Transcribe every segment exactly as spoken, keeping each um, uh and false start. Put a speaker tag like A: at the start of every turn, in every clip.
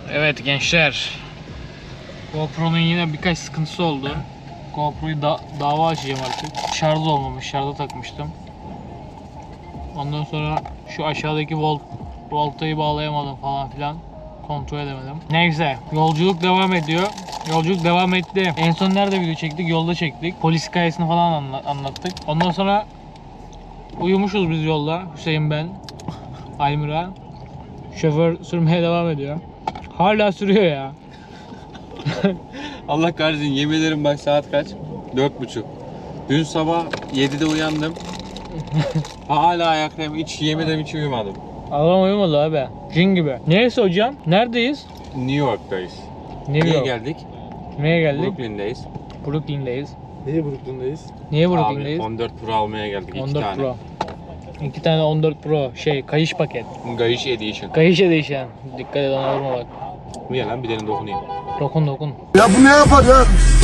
A: Evet gençler, GoPro'nun yine birkaç sıkıntısı oldu. GoPro'yu da dava açacağım artık. Şarj olmamış, şarja takmıştım. Ondan sonra şu aşağıdaki volt voltayı bağlayamadım falan filan. Kontrol edemedim. Neyse, yolculuk devam ediyor. Yolculuk devam etti. En son nerede video çektik? Yolda çektik. Polis hikayesini falan anla anlattık. Ondan sonra uyumuşuz biz yolda. Hüseyin, ben, Almira. Şoför sürmeye devam ediyor. Hala sürüyor ya.
B: Allah kahretsin, yemin ederim bak saat kaç? Dört buçuk. Dün sabah yedide uyandım. Hala ayaktayım, hiç yemin ederim hiç uyumadım.
A: Adam uyumadı abi. Cin gibi. Neyse hocam, neredeyiz?
B: New York'tayız.
A: New
B: Niye
A: York.
B: geldik?
A: Neye geldik?
B: Brooklyn'deyiz.
A: Brooklyn'deyiz.
C: Niye Brooklyn'deyiz?
A: Niye
B: Abi
A: Brooklyn'deyiz?
B: on dört Pro almaya geldik, iki
A: on dört
B: tane.
A: Pro. İki tane on dört Pro şey, kayış paket.
B: Gayiş Edition.
A: Kayış değişen. Dikkat et, ona vurma bak.
B: Niye lan, bir tane dokunayım.
A: Dokun dokun.
C: Ya bu ne yapar ya?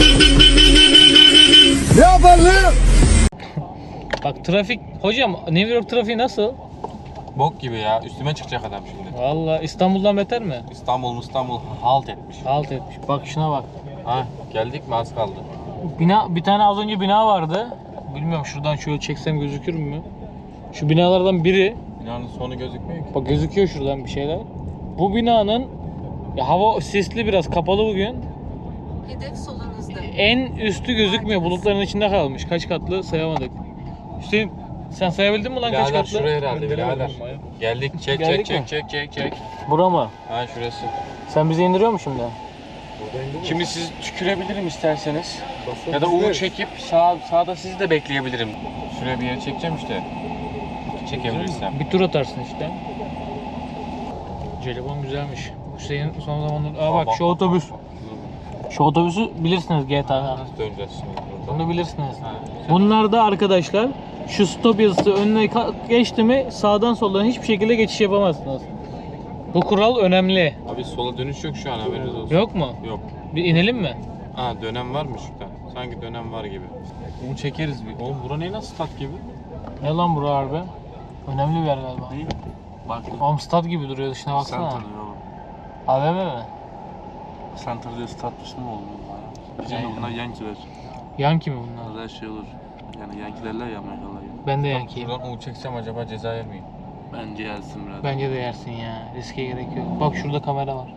C: Ne yapar ne?
A: Bak trafik, hocam New York trafiği nasıl?
B: Bok gibi ya, üstüme çıkacak adam şimdi.
A: Vallahi İstanbul'dan beter mi?
B: İstanbul İstanbul halt etmiş.
A: Halt etmiş. Bak şuna bak.
B: Ha, geldik mi, az kaldı.
A: Bina, bir tane az önce bina vardı. Bilmiyorum, şuradan şöyle çeksem gözükür mü? Şu binalardan biri.
B: Binanın sonu gözükmüyor ki.
A: Bak gözüküyor şuradan bir şeyler. Bu binanın, ya hava sisli, biraz kapalı bugün.
D: Hedef solunuzda.
A: En üstü gözükmüyor. Bulutların içinde kalmış. Kaç katlı sayamadık. Hüseyin, sen sayabildin mi lan kaç
B: Birader
A: katlı?
B: şuraya herhalde birader. Geldik, çek
A: Geldik
B: çek
A: mi?
B: çek çek çek çek.
A: Bura mı?
B: Ha, şurası.
A: Sen bizi indiriyor musun şimdi?
B: Şimdi siz tükürebilirim isterseniz. Ya da U çekip sağ sağda sizi de bekleyebilirim. Şuraya bir yere çekeceğim işte. Çekebilirsem.
A: Bir tur atarsın işte. Jelibon güzelmiş. Hüseyin son zamanlarda... Aa bak şu otobüs. Şu otobüsü bilirsiniz G T A'da.
B: Nasıl döneceğiz şimdi buradan?
A: Bunu bilirsiniz. Bunlar da arkadaşlar, şu stop yazısı önüne ka- geçti mi sağdan soldan hiçbir şekilde geçiş yapamazsınız. Bu kural önemli.
B: Abi sola dönüş yok şu an, haberiniz olsun.
A: Yok mu?
B: Yok.
A: Bir inelim mi?
B: Ha, dönem var mı şurada? Sanki dönem var gibi. Bunu çekeriz bir. Oğlum bura ne, nasıl stat gibi?
A: Ne lan bura harbi? Önemli bir yer galiba.
B: Ne? Bak.
A: Oğlum stat gibi duruyor, dışına baksana.
C: Center oğlum.
A: A V M mi?
C: Center diye statüsü mü oldu bu ya? Bizim de bunlar Yankee'ler.
A: Yankee mi bunlar?
C: Burada her şey olur. Yani Yankee'lerler ya Amerikalılar gibi.
A: Ben de Yankee'yim.
B: Şuradan U çeksem acaba ceza yer miyim?
C: Bence yersin biraz.
A: Bence de yersin ya. Riske gerek yok. Bak şurada kamera var.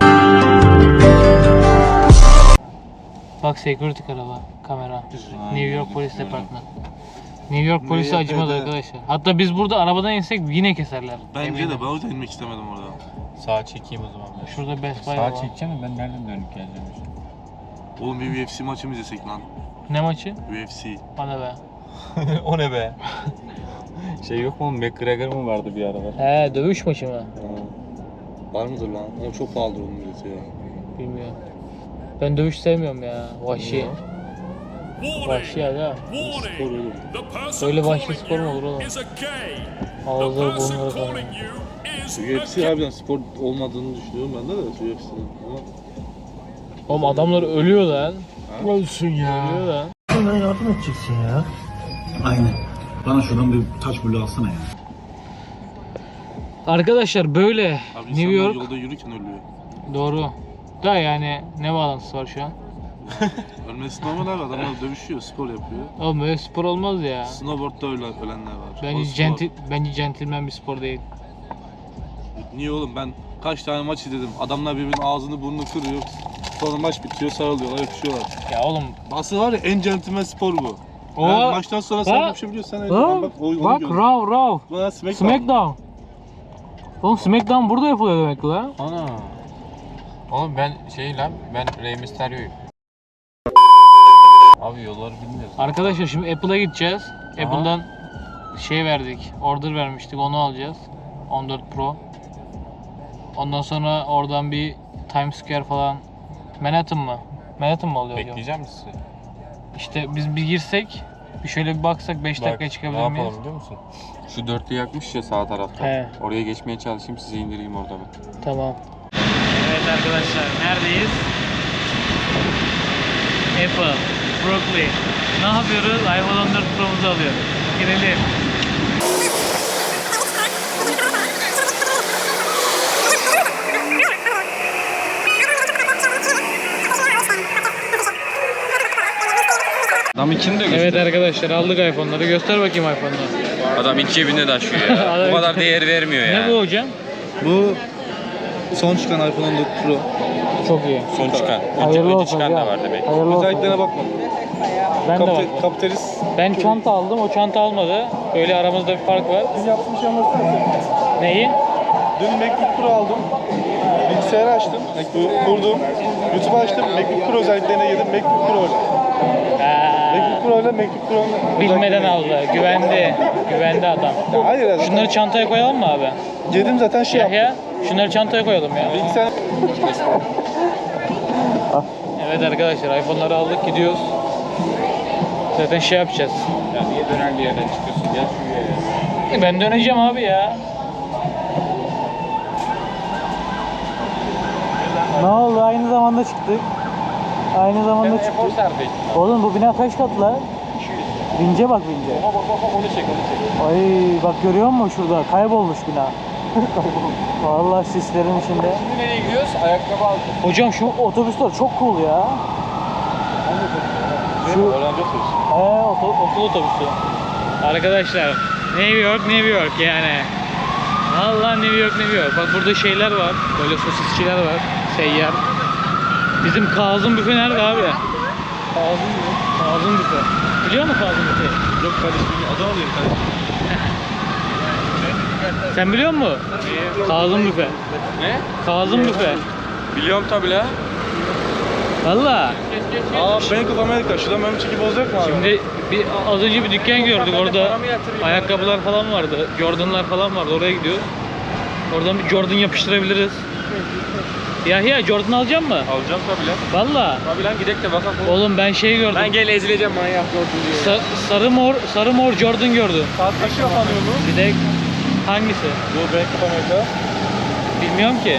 A: Bak security araba, kamera. New York Polis Departmanı. New York polisi
C: New
A: acımaz
C: York'ta-
A: arkadaşlar. Hatta biz burada arabadan insek yine keserler.
C: Bence
A: Eminim.
C: de ben o yüzden inmek istemedim orada.
B: Sağa çekeyim o zaman ben.
A: Şurada Best Buy
B: Sağa
A: var.
B: çekeceğim mi? Ben nereden dönüp geleceğim işte?
C: Oğlum bir U F C maçı mı izlesek lan?
A: Ne maçı?
C: U F C.
A: Bana be.
B: O ne be? Şey yok mu? McGregor mu vardı bir aralar?
A: He, dövüş maçı mı?
C: Var mıdır lan? Ama çok pahalıdır onun bileti ya.
A: Bilmiyorum. Ben dövüş sevmiyorum ya. Vahşi. Vahşi ya da.
C: Spor oğlum.
A: Öyle vahşi spor mu olur oğlum? Ağızları burnları falan.
C: U F C harbiden spor olmadığını düşünüyorum ben de de U F C'nin. Ama
A: Oğlum adamlar ölüyor lan.
C: ölsün
A: Ölüyor lan.
E: Bana yardım edeceksin ya. Aynen. Bana şuradan bir taş bulu alsana ya.
A: Arkadaşlar böyle
C: Abi
A: New
C: insanlar
A: York
C: yolda yürürken ölüyor.
A: doğru. Da yani ne bağlantısı var şu an?
C: Ölmesi normal abi, adamlar dövüşüyor, spor yapıyor.
A: Oğlum böyle spor olmaz ya.
C: Snowboard'da öyle ölenler var. O
A: Bence
C: spor.
A: centil, bence centilmen bir spor değil.
C: Niye oğlum, ben kaç tane maç izledim. Adamlar birbirinin ağzını burnunu kırıyor. Sonra maç bitiyor, sarılıyorlar, öpüşüyorlar.
A: Ya oğlum.
C: Asıl var ya, en centilmen spor bu.
A: O
C: Yani maçtan sonra sen
A: Ha?
C: bir şey biliyorsun, sen
A: Ha?
C: öyle bak, o, onu
A: Bak
C: gördüm.
A: Raw Raw.
C: Bu da Smackdown.
A: Smackdown. Oğlum Smackdown burada yapılıyor demek ki lan.
B: Ana. Oğlum ben şey lan, ben Rey Mysterio'yum. Abi yolları bilmiyoruz.
A: Arkadaşlar şimdi Apple'a gideceğiz.
B: Aha.
A: Apple'dan şey verdik. Order vermiştik, onu alacağız. on dört Pro. Ondan sonra oradan bir Times Square falan. Manhattan mı? Manhattan mı oluyor acaba?
B: Bekleyeceğim mi sizi?
A: İşte biz bir girsek, bir şöyle bir baksak beş dakikaya çıkabilir
B: ne
A: miyiz?
B: yapalım biliyor musun? Şu dörtlü yakmış ya sağ tarafta.
A: He.
B: Oraya geçmeye çalışayım, sizi indireyim orada ben.
A: Tamam. Evet arkadaşlar, neredeyiz? Apple, Brooklyn. Ne yapıyoruz? iPhone on dört Pro'muzu alıyoruz. Girelim.
B: Tam ikini de göster.
A: Evet arkadaşlar aldık iPhone'ları. Göster bakayım iPhone'ları.
B: Adam iç cebinde taşıyor ya.
A: Adam-
B: Bu kadar değer vermiyor ya.
A: Ne bu hocam?
C: Bu son çıkan iPhone on dört Pro.
A: Çok iyi.
B: Son çıkan. Önce,
A: Hayırlı
B: önce
A: olsun
B: çıkan da
A: hocam.
B: var demek.
A: Hayırlı olsun.
C: Özelliklerine bakma.
A: Ben de
C: Kapite-
A: bak.
C: Kapitalist.
A: Ben çanta aldım, o çanta almadı. Öyle aramızda bir fark var.
C: Dün yaptığım şey anlatsana.
A: Neyi?
C: Dün MacBook Pro aldım. Bilgisayarı açtım. MacBook kurdum. YouTube açtım. MacBook Pro özelliklerine girdim. MacBook Pro.
A: Ha,
C: MacBook Pro ile MacBook Pro.
A: bilmeden aldı. Güvendi. Güvendi adam.
C: Ya hayır ya.
A: Şunları çantaya koyalım mı abi?
C: Girdim zaten şey yaptım.
A: Yahya, şunları çantaya koyalım ya.
C: Bilgisayar.
A: Evet arkadaşlar, iPhone'ları aldık, gidiyoruz. Zaten şey yapacağız.
B: Ya niye dönen bir yerden çıkıyorsun? Gel şuraya ya.
A: Ben döneceğim abi ya. Ne oldu? Aynı zamanda çıktık. Aynı zamanda çıktık.
B: Efor sardık.
A: Oğlum bu bina kaç katlı lan? Vince bak vince.
B: Bak bak bak onu çek onu çek.
A: Ay bak görüyor musun şurada? Kaybolmuş bina. Vallahi sislerin içinde.
B: Şimdi nereye gidiyoruz? Ayakkabı aldık.
A: Hocam şu otobüsler çok cool ya. Şu
C: Öğrenci otobüsü.
A: He, okul, okul otobüsü. Arkadaşlar, New York, New York yani. Vallahi New York, New York. Bak burada şeyler var, böyle sosisçiler var, seyyar. Bizim Kazım Büfe nerede abi? Kazım Büfe. Kazım Büfe. Biliyor musun Kazım Büfe'yi?
C: Yok kardeşim. Adam alayım kardeşim.
A: Sen biliyor musun? Kazım Büfe.
B: Ne?
A: Kazım Büfe.
B: Biliyorum tabi la.
A: Valla.
C: Aa Bank of America. Şuradan benim çekip olacak mı abi?
A: Şimdi bir, az önce bir dükkan gördük orada. Ayakkabılar falan vardı. Jordan'lar falan vardı. Oraya gidiyoruz. Oradan bir Jordan yapıştırabiliriz. Yahya Jordan alacak mı?
B: Alacağım tabi la.
A: Valla.
B: Tabi lan gidek de bakalım.
A: Oğlum ben şey gördüm.
B: Ben gel ezileceğim manyak gördüm diye.
A: Sa- sarı mor sarı mor Jordan gördüm.
C: Saat kaçı kapanıyor bu?
A: Bir de hangisi?
C: Bu Bank of America.
A: Bilmiyorum ki.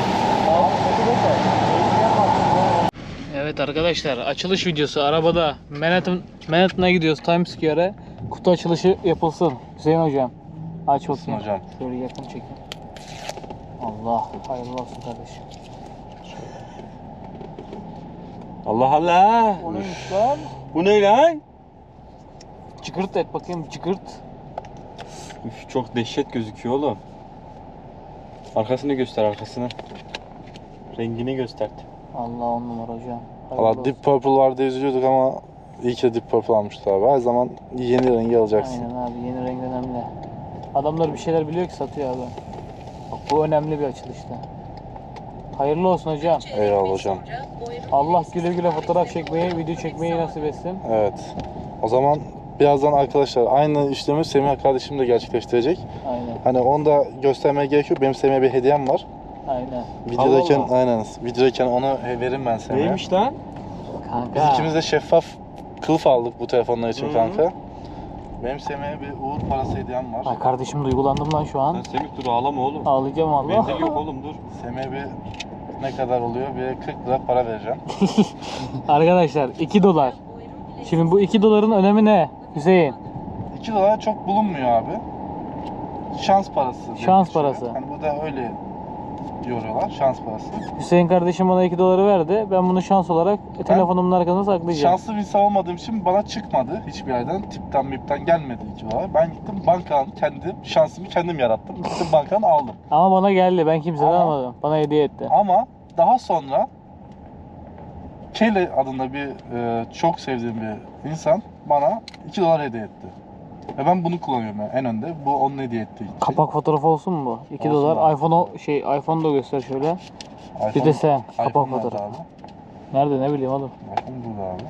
A: Evet arkadaşlar, açılış videosu arabada Manhattan Manhattan'a gidiyoruz, Times Square'e. Kutu açılışı yapılsın. Hüseyin hocam. Aç bakayım.
C: hocam.
A: Şöyle yakın çekin. Allah hayırlı olsun kardeşim.
B: Allah Allah.
A: O neymiş lan?
B: Bu ne lan?
A: Cıkırt et bakayım, cıkırt.
B: Üf, çok dehşet gözüküyor oğlum. Arkasını göster arkasını. Rengini göster.
A: Allah on numara hocam. Hayırlı
C: Valla
A: olsun.
C: Deep Purple vardı üzülüyorduk ama iyi ki de Deep Purple almışlar abi. Her zaman yeni rengi alacaksın.
A: Aynen abi, yeni renk önemli. Adamlar bir şeyler biliyor ki satıyor abi. Bak bu önemli bir açılışta. Hayırlı olsun hocam.
C: Eyvallah hocam.
A: Allah güle güle fotoğraf çekmeyi, video çekmeyi nasip etsin.
C: Evet. O zaman birazdan arkadaşlar aynı işlemi Semih kardeşim de gerçekleştirecek.
A: Aynen,
C: Hani onu da göstermeye gerek yok. Benim Semih'e bir hediyem var.
A: aynen.
C: Videodayken
B: Allah Allah.
C: aynen. Videodayken onu veririm ben Semih'e.
B: Neymiş lan?
A: Kanka.
C: Biz ikimiz de şeffaf kılıf aldık bu telefonlar için
B: Hı.
C: kanka. Benim Semih'e bir uğur parası hediyem var.
A: Ay kardeşim duygulandım lan şu
B: Lan
A: an.
B: Semih dur ağlama oğlum.
A: Ağlayacağım Allah.
B: Benzin yok oğlum dur.
C: Semih'e bir ne kadar oluyor? Bir kırk lira para vereceğim.
A: Arkadaşlar iki dolar. Şimdi bu iki doların önemi ne Hüseyin?
C: iki dolar çok bulunmuyor abi. Şans parası.
A: Şans
C: dedikleri.
A: parası.
C: Hani bu da öyle yoruyorlar. Şans parası.
A: Hüseyin kardeşim bana iki doları verdi. Ben bunu şans olarak telefonumun arkasına saklayacağım.
C: Şanslı bir insan olmadığım için bana çıkmadı hiçbir yerden. Tipten mipten gelmedi iki dolar. Ben gittim bankadan kendim şansımı kendim yarattım. Gittim bankadan aldım.
A: Ama bana geldi. Ben kimseden
C: Ama-
A: almadım. Bana hediye etti.
C: Ama daha sonra Kelly adında bir e, çok sevdiğim bir insan bana iki dolar hediye etti. Ve ben bunu kullanıyorum yani en önde. Bu onun hediye ettiği şey.
A: Kapak fotoğrafı olsun mu bu? iki
C: Olsun
A: dolar.
C: abi.
A: iPhone o- şey iPhone da göster şöyle.
C: iPhone,
A: Bir de sen kapak
C: iPhone nerede
A: fotoğrafı.
C: abi?
A: Nerede ne bileyim oğlum.
C: iPhone burada abi.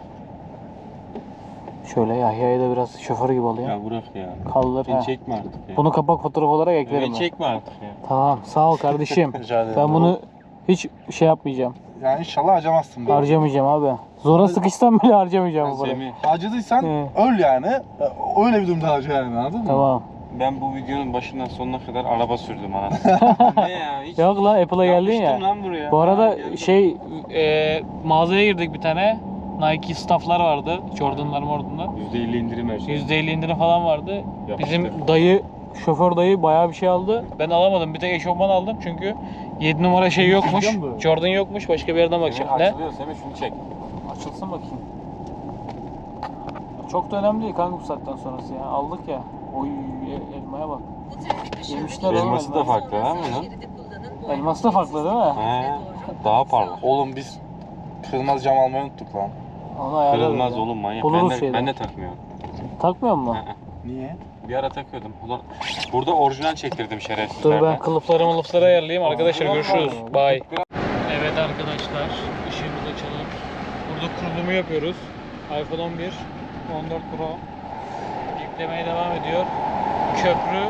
A: Şöyle Yahya'yı da biraz şoför gibi alayım.
B: Ya bırak ya.
A: Kaldır
B: Beni
A: ha.
B: çekme artık ya.
A: Bunu kapak fotoğrafı olarak eklerim
B: Beni
A: ben.
B: çekme artık ya.
A: Tamam sağ ol kardeşim.
C: Rica ederim.
A: Ben bunu hiç şey yapmayacağım.
C: Yani inşallah harcamazsın. böyle.
A: Harcamayacağım abi. Zora sıkışsam bile harcamayacağım bu parayı.
B: Semih
C: Harcadıysan
A: Hı.
C: öl yani. Öyle bir durumda harca yani anladın mı?
A: Tamam.
B: ben bu videonun başından sonuna kadar araba sürdüm anasını. Ne ya? Hiç
A: Yok lan Apple'a geldin ya.
B: yapmıştım lan buraya.
A: Bu arada
B: Ha, geldim.
A: şey e, mağazaya girdik bir tane. Nike stafflar vardı. Jordan'lar mordanlar.
B: yüzde elli indirim her şey.
A: yüzde elli indirim falan vardı.
B: Yapıştır.
A: Bizim dayı, şoför dayı bayağı bir şey aldı. Ben alamadım. Bir tek eşofman aldım çünkü yedi numara şey yokmuş.
C: Biliyor musun?
A: Jordan yokmuş. Başka bir yerden
B: Semih
A: bakacağım. Ne?
B: açılıyor Semih şunu çek.
A: Açılsın bakayım. Çok da önemli değil kanka bu saatten sonrası ya. Aldık ya. Oy el- elmaya bak.
D: Bu trafik ışığındaki
A: Yemişler oğlum
B: Elması da
A: elma.
B: farklı ha bunun.
D: şeridi kullanın. Bu
A: Elması da farklı değil mi?
B: He, daha parlak.
C: Oğlum biz kırmızı cam almayı unuttuk lan.
A: Onu ayarlarız
B: Kırılmaz
A: ya.
B: oğlum manyak.
A: Buluruz
B: Ben de,
A: şeyden.
B: ben de takmıyorum.
A: Takmıyor mu?
B: Hı hı.
C: Niye?
B: Bir ara takıyordum. Ulan burada orijinal çektirdim
A: Dur
B: şerefsizlerden.
A: ben kılıfları mılıfları ayarlayayım. Arkadaşlar
C: Aa,
A: görüşürüz.
C: var.
A: Bye. Evet arkadaşlar, ışığımızı açalım. Burada kurulumu yapıyoruz. iPhone on bir, on dört Pro yüklemeye devam ediyor. Köprü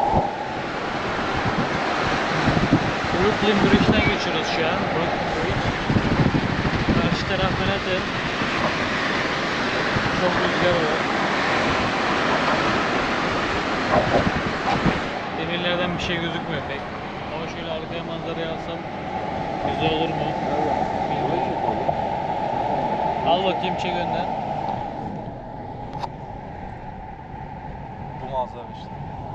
A: Brooklyn Bridge'den geçiyoruz şu an. Brooklyn Bridge. Karşı taraf Manhattan. Çok rüzgar var. Demirlerden bir şey gözükmüyor pek. Ama şöyle arkaya manzarayı alsam güzel olur mu? Bilmiyorum. Al bakayım çek önden.
C: Bu manzara işte.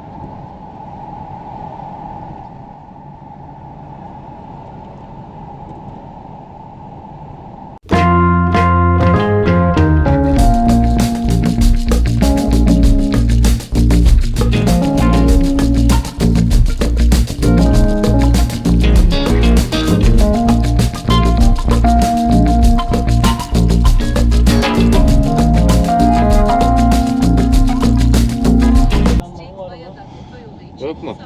B: Yok mu?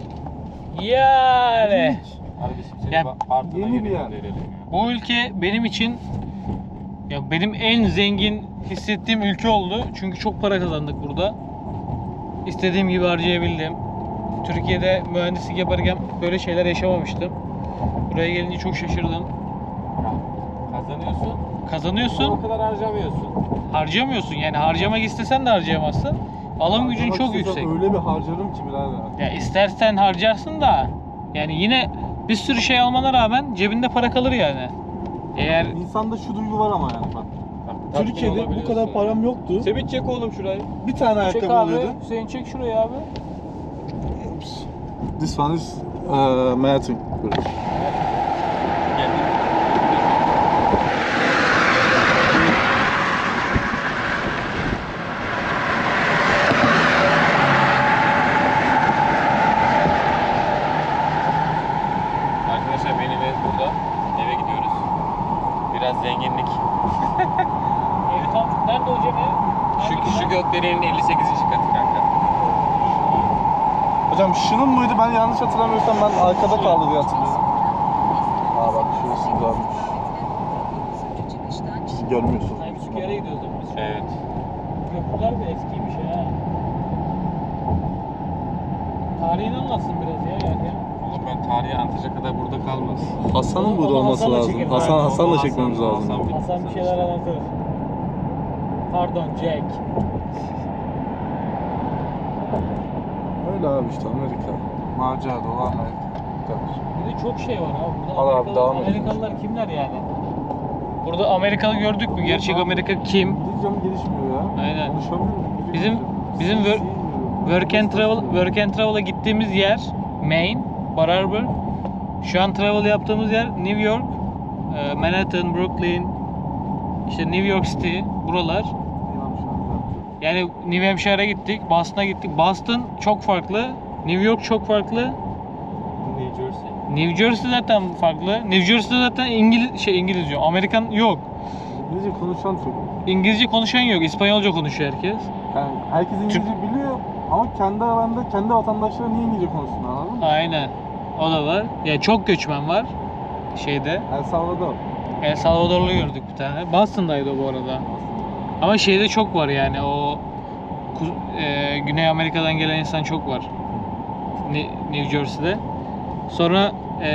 A: Yani
B: Abi biz seni
A: Ya,
B: ba- partına
C: yeni bir
B: geri
C: yer.
B: gönderelim ya.
A: bu ülke benim için ya benim en zengin hissettiğim ülke oldu. Çünkü çok para kazandık burada. İstediğim gibi harcayabildim. Türkiye'de mühendislik yaparken böyle şeyler yaşamamıştım. Buraya gelince çok şaşırdım.
B: Kazanıyorsun.
A: Kazanıyorsun,
B: O kadar harcamıyorsun.
A: harcamıyorsun. Yani harcamak istesen de harcayamazsın. Alım gücün
C: Harcamak
A: çok
C: istesem
A: yüksek.
C: Öyle bir harcarım ki birader.
A: Ya istersen harcarsın da yani yine bir sürü şey almana rağmen cebinde para kalır yani. Eğer
C: İnsanda şu duygu var ama yani bak.
B: Tatmin
C: Türkiye'de bu
B: olabiliyorsun
C: kadar
B: yani.
C: param yoktu.
B: Semih çek oğlum şurayı.
C: Bir tane
A: çek
C: ayakkabı
A: abi,
C: alıyordum.
A: Hüseyin çek şurayı abi.
C: This one is uh, Manhattan.
B: Arkadaşlar beni ve burada eve gidiyoruz. Biraz zenginlik.
A: Evi tam nerede hocam ev?
B: Şu, şu gökdelenin elli sekizinci katı kanka.
C: Hocam şunun muydu? Ben yanlış hatırlamıyorsam ben arkada kaldı diye hatırlıyorum. Aa bak şurası güzelmiş. Siz görmüyorsunuz.
A: Times Square'e gidiyoruz değil mi biz?
B: Evet.
A: Köprüler de eskiymiş ha. Tarihini anlatsın biraz ya yani.
B: Oğlum ben tarihi anlatacak kadar burada kalmaz.
C: Hasan'ın burada
A: Onu
C: olması
A: Hasan'la
C: lazım.
A: çekelim.
C: Hasan,
B: Aynen,
C: Hasan'la
B: onu
C: çekmemiz
B: Hasan-
C: lazım.
B: Hasan-
A: Hasan bir şeyler anlatır. Pardon Jack.
C: Öyle abi işte Amerika. Macera dolu Amerika. Bu kadar.
A: Bir de çok şey var abi. Burada
C: Al abi,
A: Amerikalı-
C: devam edelim.
A: Amerikalılar kimler yani? Burada Amerikalı gördük mü? Gerçek Amerika kim?
C: İngilizcem gelişmiyor ya.
A: Aynen.
C: Konuşamıyorum. İngilizce
A: Bizim-
C: konuşuyorum.
A: bizim
C: Şey
A: wor-
C: bilmiyorum.
A: Work and Travel, Work and Travel'a gittiğimiz yer Maine, Bar Harbor. Şu an travel yaptığımız yer New York, e, Manhattan, Brooklyn, işte New York City, buralar.
C: İnan şu an.
A: Yani New Hampshire'a gittik, Boston'a gittik. Boston çok farklı, New York çok farklı,
B: New Jersey.
A: New Jersey zaten farklı. New Jersey'de zaten İngiliz şey İngiliz diyor. Amerikan yok.
C: İngilizce konuşan çok.
A: İngilizce konuşan yok. İspanyolca konuşuyor herkes.
C: Yani herkes İngilizce biliyor ama kendi aralarında kendi vatandaşları niye İngilizce konuşsun anladın mı?
A: Aynen. O da var. Yani çok göçmen var şeyde.
C: El Salvador.
A: El Salvadorlu gördük bir tane. Boston'daydı o bu arada. Ama şeyde çok var yani o Ku- e, Güney Amerika'dan gelen insan çok var. Ne- New Jersey'de. Sonra e,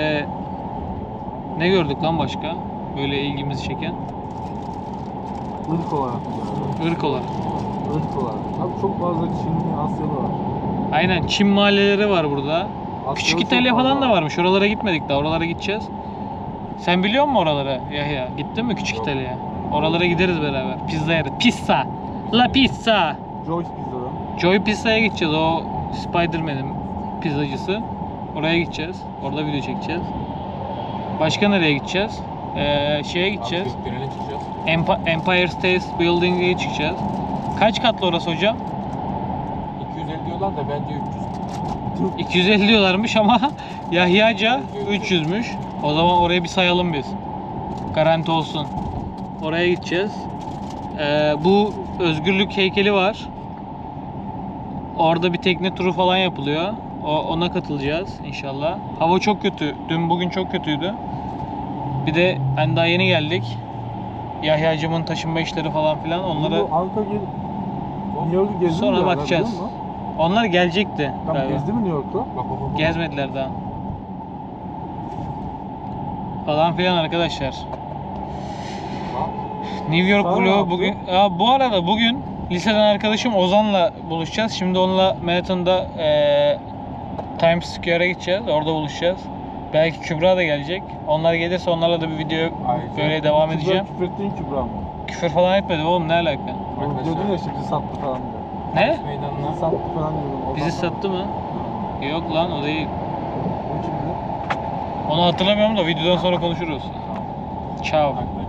A: ne gördük lan başka? Böyle ilgimizi çeken.
C: Irk olarak.
A: Irk olarak.
C: Irk olarak. Abi çok fazla Çinli, Asyalı var.
A: Aynen Çin mahalleleri var burada.
C: Asyalı
A: Küçük
C: çok
A: İtalya
C: fazla
A: falan da
C: var.
A: varmış. Oralara gitmedik daha. Oralara gideceğiz. Sen biliyor musun oraları Yahya? Gittin mi Küçük
B: Yok.
A: İtalya'ya? Oralara gideriz beraber. Pizza yeriz. Pizza. La pizza.
C: Joyce Pizza'dan.
A: Joy Pizza'ya gideceğiz. O Spider-Man'in pizzacısı. Oraya gideceğiz. Orada video çekeceğiz. Başka nereye gideceğiz? Ee, şeye gideceğiz.
B: Abi gökdelene çıkacağız.
A: Emp- Empire State Building'e çıkacağız. Kaç katlı orası hocam?
B: iki yüz elli diyorlar da bence üç yüz.
A: iki yüz elli diyorlarmış ama Yahyaca üç yüzmüş. O zaman orayı bir sayalım biz. Garanti olsun. Oraya gideceğiz. Ee, bu özgürlük heykeli var. Orada bir tekne turu falan yapılıyor. O, ona katılacağız inşallah. Hava çok kötü. Dün bugün çok kötüydü. Bir de hani daha yeni geldik. Yahyacımın taşınma işleri falan filan onlara
C: Bu Anka gel... New York'u gezdin mi?
A: sonra
C: ya?
A: bakacağız.
C: Biliyor musun?
A: Onlar gelecekti.
C: Tam
A: galiba.
C: gezdi mi New York'ta?
B: Bak bak bak.
A: Gezmediler daha. Falan filan arkadaşlar. New York
C: Sen ne
A: vlogu
C: yaptın?
A: bugün. Aa, bu arada bugün liseden arkadaşım Ozan'la buluşacağız. Şimdi onunla Manhattan'da eee Times Square'a gideceğiz. Orada buluşacağız. Belki Kübra da gelecek. Onlar gelirse onlarla da bir video
B: Ayrıca
A: böyle devam
C: Kübra,
A: edeceğim.
C: küfür ettiğin Kübra mı?
A: Küfür falan etmedim oğlum, ne alaka?
C: Oğlum
B: Arkadaşlar.
C: diyordun ya işte bizi sattı falan diyor.
A: Ne?
B: Meydanına.
C: Bizi sattı falan diyordun. Ondan
A: Bizi
C: sonra-
A: sattı mı? Yok lan, o değil.
C: O kimdi?
A: Onu hatırlamıyorum da videodan sonra konuşuruz. Ciao.
B: Arkadaşlar.